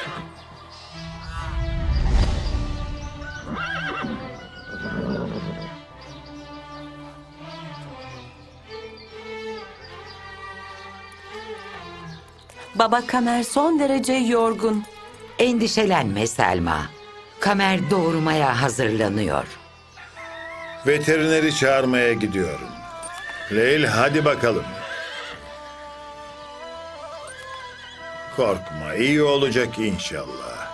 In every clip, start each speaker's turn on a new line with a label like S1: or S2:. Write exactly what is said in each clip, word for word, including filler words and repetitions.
S1: Baba Kamer son derece yorgun.
S2: Endişelenme Selma. Kamer doğurmaya hazırlanıyor.
S3: Veterineri çağırmaya gidiyorum. Leyl, hadi bakalım. Korkma, iyi olacak inşallah.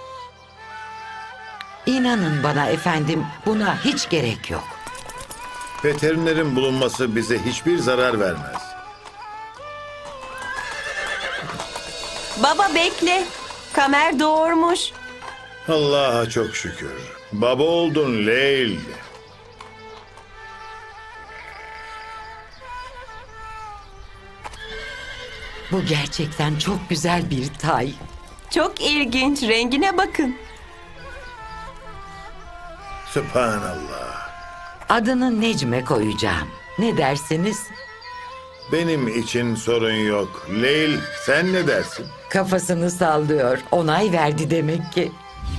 S2: İnanın bana efendim, buna hiç gerek yok.
S3: Veterinerin bulunması bize hiçbir zarar vermez.
S1: Baba bekle. Kamer doğurmuş.
S3: Allah'a çok şükür. Baba oldun Leyl.
S2: Bu gerçekten çok güzel bir tay.
S1: Çok ilginç. Rengine bakın.
S3: Sübhanallah.
S2: Adını Necme koyacağım. Ne dersiniz?
S3: Benim için sorun yok. Leyl, sen ne dersin?
S2: Kafasını sallıyor. Onay verdi demek ki.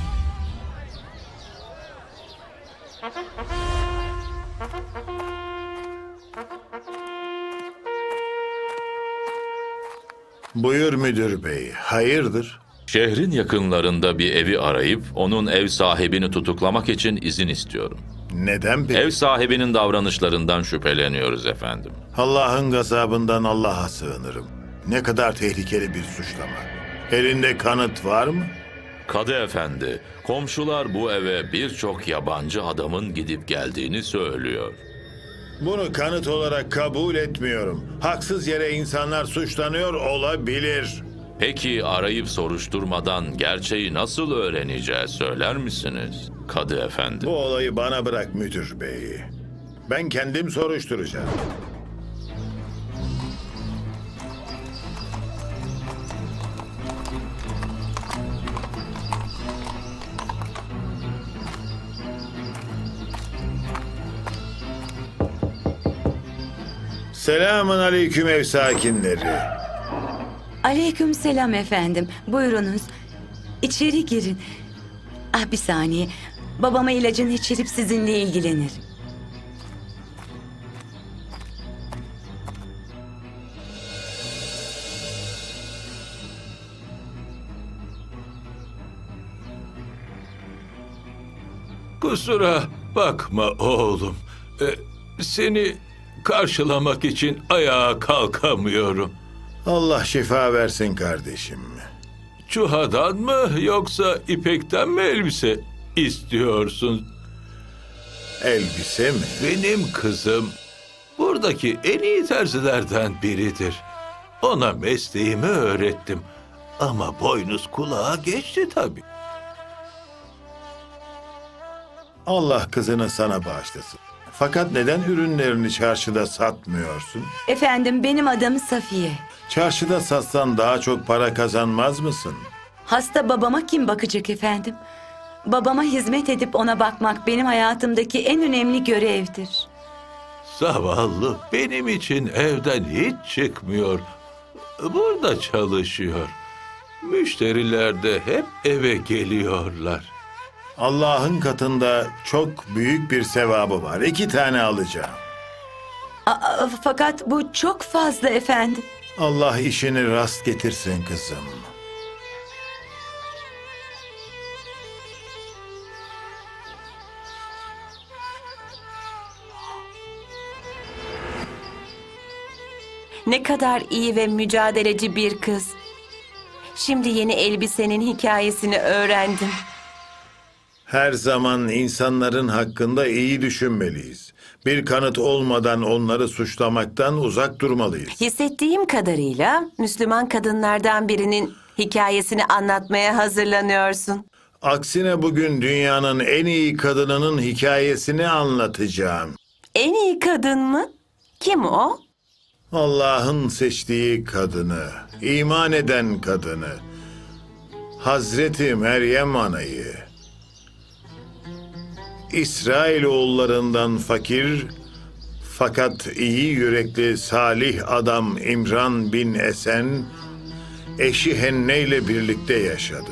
S3: Buyur müdür bey, hayırdır?
S4: Şehrin yakınlarında bir evi arayıp onun ev sahibini tutuklamak için izin istiyorum.
S3: Neden peki?
S4: Ev sahibinin davranışlarından şüpheleniyoruz efendim.
S3: Allah'ın gazabından Allah'a sığınırım. Ne kadar tehlikeli bir suçlama. Elinde kanıt var mı?
S4: Kadı efendi, komşular bu eve birçok yabancı adamın gidip geldiğini söylüyor.
S3: Bunu kanıt olarak kabul etmiyorum. Haksız yere insanlar suçlanıyor olabilir.
S4: Peki arayıp soruşturmadan gerçeği nasıl öğreneceğiz söyler misiniz? Kadı efendi.
S3: Bu olayı bana bırak müdür bey. Ben kendim soruşturacağım. Selamun aleyküm ev sakinleri.
S5: Aleykümselam efendim. Buyurunuz. İçeri girin. Ah bir saniye. Babama ilacını içirip sizinle ilgilenir.
S6: Kusura bakma oğlum. Ee, seni karşılamak için ayağa kalkamıyorum.
S3: Allah şifa versin kardeşim.
S6: Çuhadan mı yoksa ipekten mi elbise istiyorsun?
S3: Elbise mi?
S6: Benim kızım buradaki en iyi terzilerden biridir. Ona mesleğimi öğrettim. Ama boynuz kulağa geçti tabii.
S3: Allah kızını sana bağışlasın. Fakat neden ürünlerini çarşıda satmıyorsun?
S5: Efendim benim adım Safiye.
S3: Çarşıda satsan daha çok para kazanmaz mısın?
S5: Hasta babama kim bakacak efendim? Babama hizmet edip ona bakmak benim hayatımdaki en önemli görevdir.
S6: Zavallı benim için evden hiç çıkmıyor. Burada çalışıyor. Müşteriler de hep eve geliyorlar.
S3: Allah'ın katında çok büyük bir sevabı var. İki tane alacağım.
S5: Aa, fakat bu çok fazla efendim.
S3: Allah işini rast getirsin kızım.
S1: Ne kadar iyi ve mücadeleci bir kız. Şimdi yeni elbisenin hikayesini öğrendim.
S3: Her zaman insanların hakkında iyi düşünmeliyiz. Bir kanıt olmadan onları suçlamaktan uzak durmalıyız.
S1: Hissettiğim kadarıyla Müslüman kadınlardan birinin hikayesini anlatmaya hazırlanıyorsun.
S3: Aksine bugün dünyanın en iyi kadınının hikayesini anlatacağım.
S1: En iyi kadın mı? Kim o?
S3: Allah'ın seçtiği kadını, iman eden kadını, Hazreti Meryem anayı. İsrailoğullarından fakir fakat iyi yürekli salih adam İmran bin Esen, eşi Henne ile birlikte yaşadı.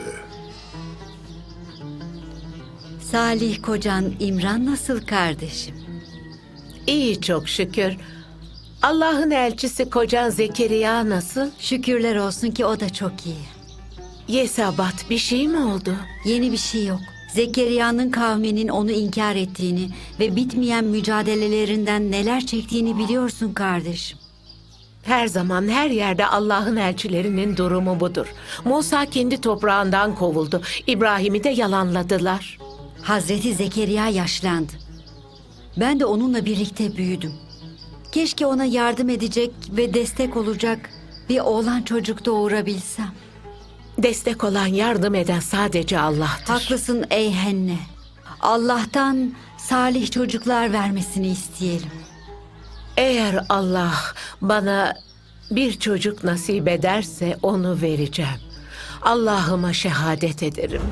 S5: Salih kocan İmran nasıl kardeşim?
S7: İyi çok şükür. Allah'ın elçisi kocan Zekeriya nasıl?
S5: Şükürler olsun ki o da çok iyi.
S7: Yesabat bir şey mi oldu?
S5: Yeni bir şey yok. Zekeriya'nın kavminin onu inkar ettiğini ve bitmeyen mücadelelerinden neler çektiğini biliyorsun kardeşim.
S7: Her zaman her yerde Allah'ın elçilerinin durumu budur. Musa kendi toprağından kovuldu. İbrahim'i de yalanladılar.
S5: Hazreti Zekeriya yaşlandı. Ben de onunla birlikte büyüdüm. Keşke ona yardım edecek ve destek olacak bir oğlan çocuk doğurabilsem.
S7: Destek olan, yardım eden sadece Allah'tır.
S5: Haklısın ey Henne. Allah'tan salih çocuklar vermesini isteyelim.
S7: Eğer Allah bana bir çocuk nasip ederse onu vereceğim. Allah'ıma şehadet ederim.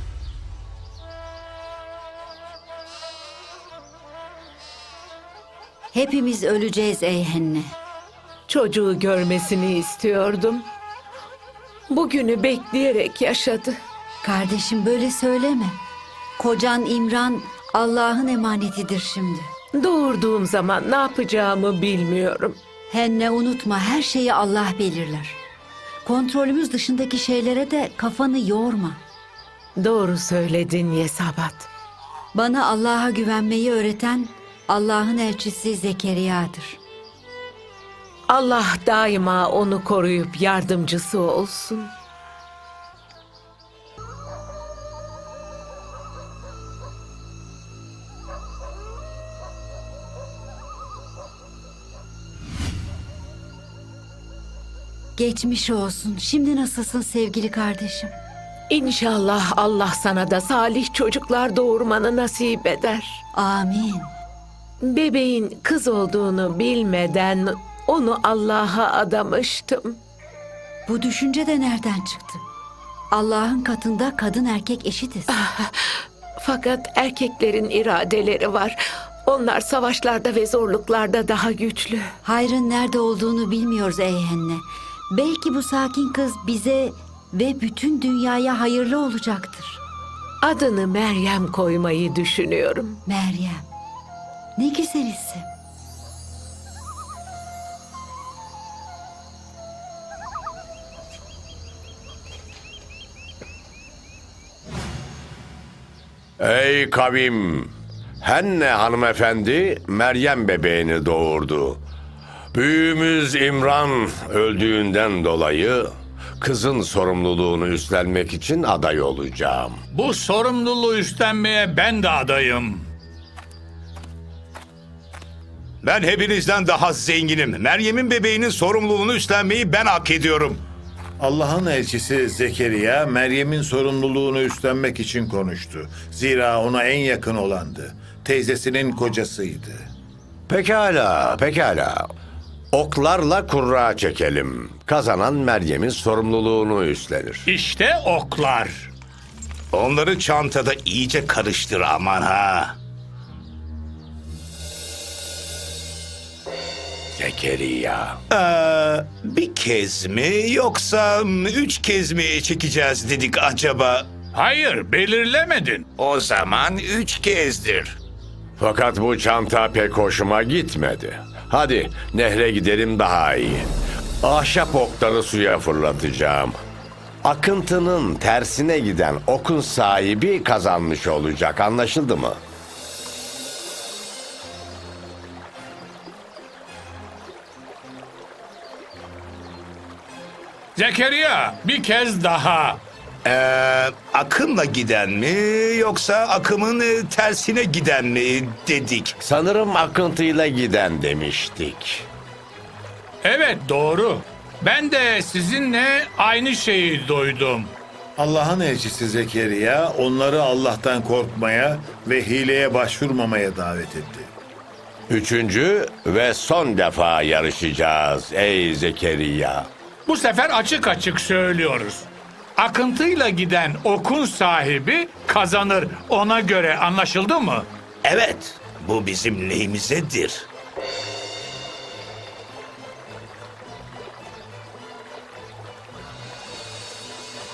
S5: Hepimiz öleceğiz ey Henne.
S7: Çocuğu görmesini istiyordum. Bugünü bekleyerek yaşadı.
S5: Kardeşim böyle söyleme. Kocan İmran Allah'ın emanetidir şimdi.
S7: Doğurduğum zaman ne yapacağımı bilmiyorum.
S5: Henne unutma her şeyi Allah belirler. Kontrolümüz dışındaki şeylere de kafanı yorma.
S7: Doğru söyledin Yesabat.
S5: Bana Allah'a güvenmeyi öğreten Allah'ın elçisi Zekeriya'dır.
S7: Allah daima onu koruyup yardımcısı olsun.
S5: Geçmiş olsun. Şimdi nasılsın sevgili kardeşim?
S7: İnşallah Allah sana da salih çocuklar doğurmanı nasip eder.
S5: Amin.
S7: Bebeğin kız olduğunu bilmeden onu Allah'a adamıştım.
S5: Bu düşünce de nereden çıktı? Allah'ın katında kadın erkek eşitiz.
S7: Fakat erkeklerin iradeleri var. Onlar savaşlarda ve zorluklarda daha güçlü.
S5: Hayrın nerede olduğunu bilmiyoruz ey Henne. Belki bu sakin kız bize ve bütün dünyaya hayırlı olacaktır.
S7: Adını Meryem koymayı düşünüyorum.
S5: Meryem. Ne güzel isim.
S8: Ey kavim! Henne hanımefendi Meryem bebeğini doğurdu. Büyüğümüz İmran öldüğünden dolayı kızın sorumluluğunu üstlenmek için aday olacağım.
S9: Bu sorumluluğu üstlenmeye ben de adayım.
S10: Ben hepinizden daha zenginim. Meryem'in bebeğinin sorumluluğunu üstlenmeyi ben hak ediyorum.
S3: Allah'ın elçisi Zekeriya, Meryem'in sorumluluğunu üstlenmek için konuştu. Zira ona en yakın olandı. Teyzesinin kocasıydı.
S8: Pekala, pekala. Oklarla kurra çekelim. Kazanan Meryem'in sorumluluğunu üstlenir.
S9: İşte oklar.
S10: Onları çantada iyice karıştır aman ha.
S8: Zekeriya.
S10: Ee, bir kez mi yoksa üç kez mi çekeceğiz dedik acaba?
S9: Hayır, belirlemedin.
S10: O zaman üç kezdir.
S8: Fakat bu çanta pek hoşuma gitmedi. Hadi nehre gidelim daha iyi. Ahşap okları suya fırlatacağım. Akıntının tersine giden okun sahibi kazanmış olacak. Anlaşıldı mı?
S9: Zekeriya, bir kez daha.
S10: Ee, akımla giden mi yoksa akımın e, tersine giden mi dedik?
S8: Sanırım akıntıyla giden demiştik.
S9: Evet, doğru. Ben de sizinle aynı şeyi duydum.
S3: Allah'ın elçisi Zekeriya onları Allah'tan korkmaya ve hileye başvurmamaya davet etti.
S8: Üçüncü ve son defa yarışacağız ey Zekeriya.
S9: Bu sefer açık açık söylüyoruz. Akıntıyla giden okun sahibi kazanır. Ona göre anlaşıldı mı?
S10: Evet, bu bizim lehimizedir.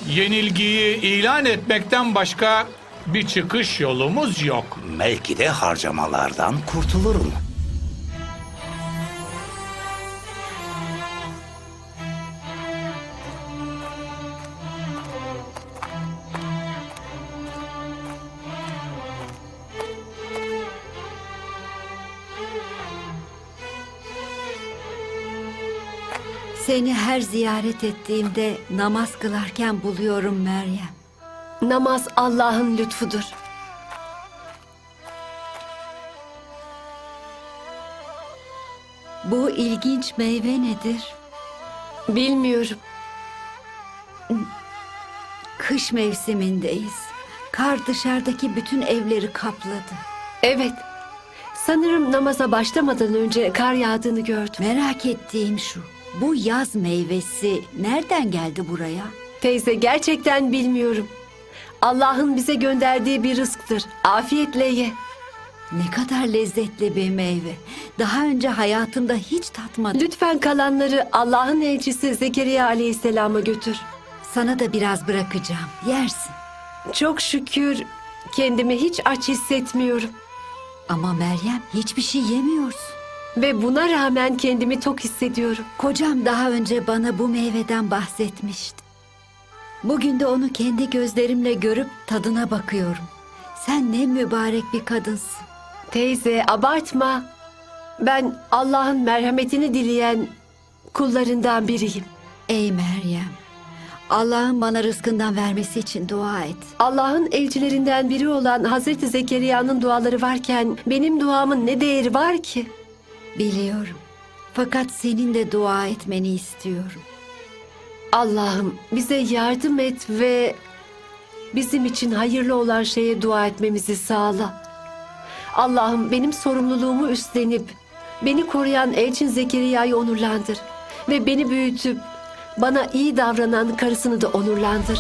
S9: Yenilgiyi ilan etmekten başka bir çıkış yolumuz yok.
S10: Belki de harcamalardan kurtulurum.
S5: Seni her ziyaret ettiğimde namaz kılarken buluyorum Meryem.
S11: Namaz Allah'ın lütfudur.
S5: Bu ilginç meyve nedir?
S11: Bilmiyorum.
S5: Kış mevsimindeyiz. Kar dışarıdaki bütün evleri kapladı.
S11: Evet. Sanırım namaza başlamadan önce kar yağdığını gördüm.
S5: Merak ettiğim şu. Bu yaz meyvesi nereden geldi buraya?
S11: Teyze, gerçekten bilmiyorum. Allah'ın bize gönderdiği bir rızktır. Afiyetle ye.
S5: Ne kadar lezzetli bir meyve. Daha önce hayatımda hiç tatmadım.
S11: Lütfen kalanları Allah'ın elçisi Zekeriya Aleyhisselam'a götür.
S5: Sana da biraz bırakacağım. Yersin.
S11: Çok şükür kendimi hiç aç hissetmiyorum.
S5: Ama Meryem, hiçbir şey yemiyorsun.
S11: Ve buna rağmen kendimi tok hissediyorum.
S5: Kocam daha önce bana bu meyveden bahsetmişti. Bugün de onu kendi gözlerimle görüp tadına bakıyorum. Sen ne mübarek bir kadınsın.
S11: Teyze, abartma. Ben Allah'ın merhametini dileyen kullarından biriyim.
S5: Ey Meryem, Allah'ın bana rızkından vermesi için dua et.
S11: Allah'ın elçilerinden biri olan Hazreti Zekeriya'nın duaları varken benim duamın ne değeri var ki?
S5: Biliyorum. Fakat senin de dua etmeni istiyorum.
S11: Allah'ım bize yardım et ve bizim için hayırlı olan şeye dua etmemizi sağla. Allah'ım benim sorumluluğumu üstlenip beni koruyan elçin Zekeriya'yı onurlandır ve beni büyütüp bana iyi davranan karısını da onurlandır.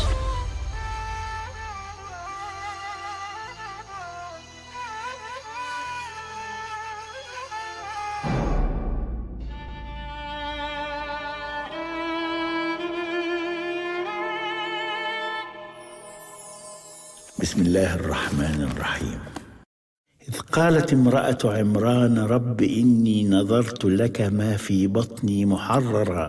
S12: بسم الله الرحمن الرحيم إذ قالت امرأة عمران رب إني نظرت لك ما في بطني محررا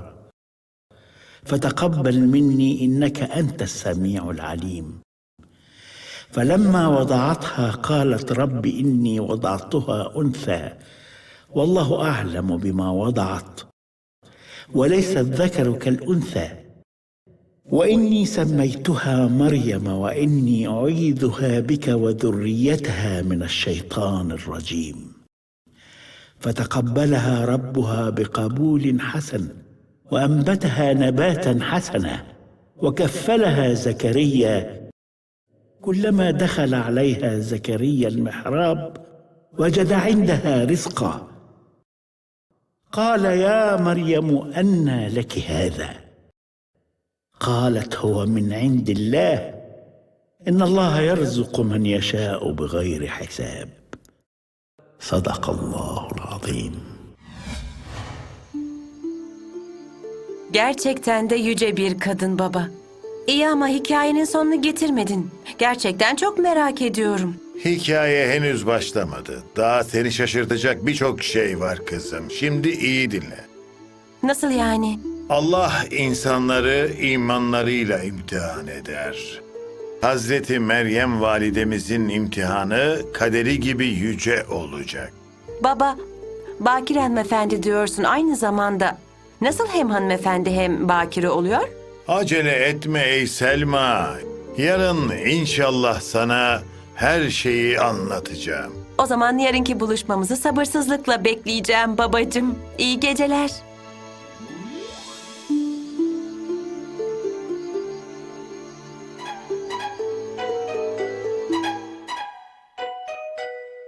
S12: فتقبل مني إنك أنت السميع العليم فلما وضعتها قالت رب إني وضعتها أنثى والله أعلم بما وضعت وليس الذكر كالأنثى وإني سميتها مريم وإني أعيذها بك وذريتها من الشيطان الرجيم فتقبلها ربها بقبول حسن وأنبتها نباتا حسنا وكفلها زكريا كلما دخل عليها زكريا المحراب وجد عندها رزقا قال يا مريم أنى لك هذا قالت هو من عند الله إن الله يرزق من يشاء بغير حساب صدق الله العظيم.
S1: Gerçekten de yüce bir kadın baba. İyi ama hikayenin sonunu getirmedin. Gerçekten çok merak ediyorum.
S3: Hikaye henüz başlamadı. Daha seni şaşırtacak birçok şey var kızım. Şimdi iyi dinle.
S1: Nasıl yani?
S3: Allah insanları imanlarıyla imtihan eder. Hazreti Meryem validemizin imtihanı kaderi gibi yüce olacak.
S1: Baba, Bakire hanımefendi diyorsun aynı zamanda. Nasıl hem hanımefendi hem bakire oluyor?
S3: Acele etme ey Selma. Yarın inşallah sana her şeyi anlatacağım.
S1: O zaman yarınki buluşmamızı sabırsızlıkla bekleyeceğim babacığım. İyi geceler.